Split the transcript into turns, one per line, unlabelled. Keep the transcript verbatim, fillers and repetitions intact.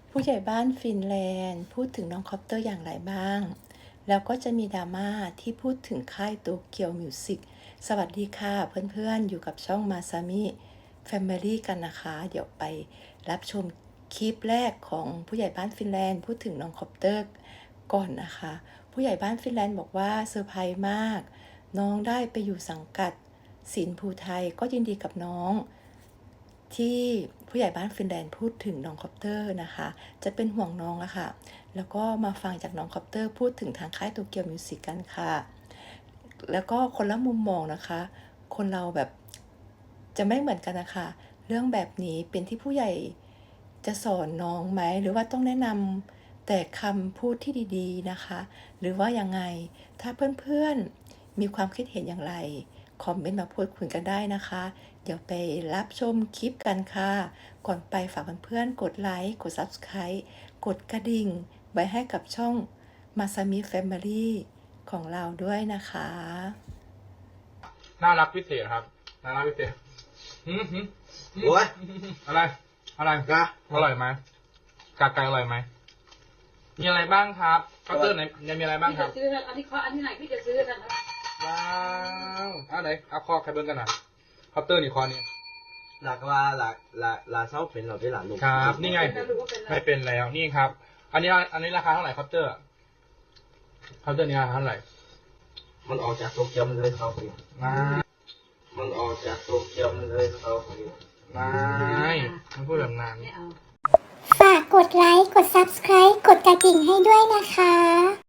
ผู้ใหญ่บ้านฟินแลนด์พูดถึงน้องคอปเตอร์อย่างไรบ้าง แล้วก็จะมีดราม่าที่พูดถึงค่ายโตเกียวมิวสิกสวัสดีค่ะเพื่อนๆอยู่กับช่องมาซามิแฟมิลี่กันนะคะ เดี๋ยวไปรับชมคลิปแรกของผู้ใหญ่บ้านฟินแลนด์พูดถึงน้องคอปเตอร์ก่อนนะคะ ผู้ใหญ่บ้านฟินแลนด์บอกว่าเซอร์ไพรส์มากน้องได้ไปอยู่สังกัดศิลป์ภูไทยก็ยินดีกับน้องที่ผู้ใหญ่บ้านฟินแลนด์พูดถึงน้องคอปเตอร์นะคะจะเป็นห่วงน้องอะค่ะแล้วก็มาฟังจากน้องคอปเตอร์พูดถึงทางค่ายโตเกียวมิวสิกกันค่ะแล้วก็คนละมุมมองนะคะคนเราแบบจะไม่เหมือนกันนะคะเรื่องแบบนี้เป็นที่ผู้ใหญ่จะสอนน้องไหมหรือว่าต้องแนะนำแต่คำพูดที่ดีๆนะคะหรือว่ายังไงถ้าเพื่อนๆมีความคิดเห็นอย่างไรคอมเมนต์มาพูดคุยกันได้นะคะเดี๋ยวไปรับชมคลิปกันค่ะก่อนไปฝากเพื่อนๆกดไลค์กด ซับสไครบ์ กดกระดิ่งไว้ให้กับช่องมาซามิแฟมิลี่ของเราด้วยนะคะ
น่ารักพิเศษครับน่ารักพิเศษหืมหืม
โอ้ย
อะไรอะไร
นะ
อร่อยไหมกาไก่อร่อยไหมมีอะไรบ้างครับเคาน์เตอร์ไหนยังมีอะไรบ้าง
พี่
ครั
จะ
บ
ซื้ออันนี้ข้ออันที่ไหนพี่จะซื้อกันครับ
ว้าวเอาไหนเอาคอใครเบิ้งกันหน่อยเคาน์เตอร์นี่คอนี่
หลักว่าหลักหลักหลักเสาเป็นเราได้หลักลูก
ครับนี่ไง
ไม่รู้ว่าเป็นอะไร
ไม่เป็นแล้วนี่ครับ อันนี้อันนี้ราคาเท่าไหร่เคาน์เตอร์เคาน์เตอร์นี่ราคาเท่าไหร่
มันออกจากโตเกียวมันเลยเขาไป
มา
มันออกจากโตเกียวมันเลยเขาไป
ไม่มันพูดแบบนั้น
ไม่เอา
ฝากกดไลค์ กด ซับสไครบ์ กดกระดิ่งให้ด้วยนะคะ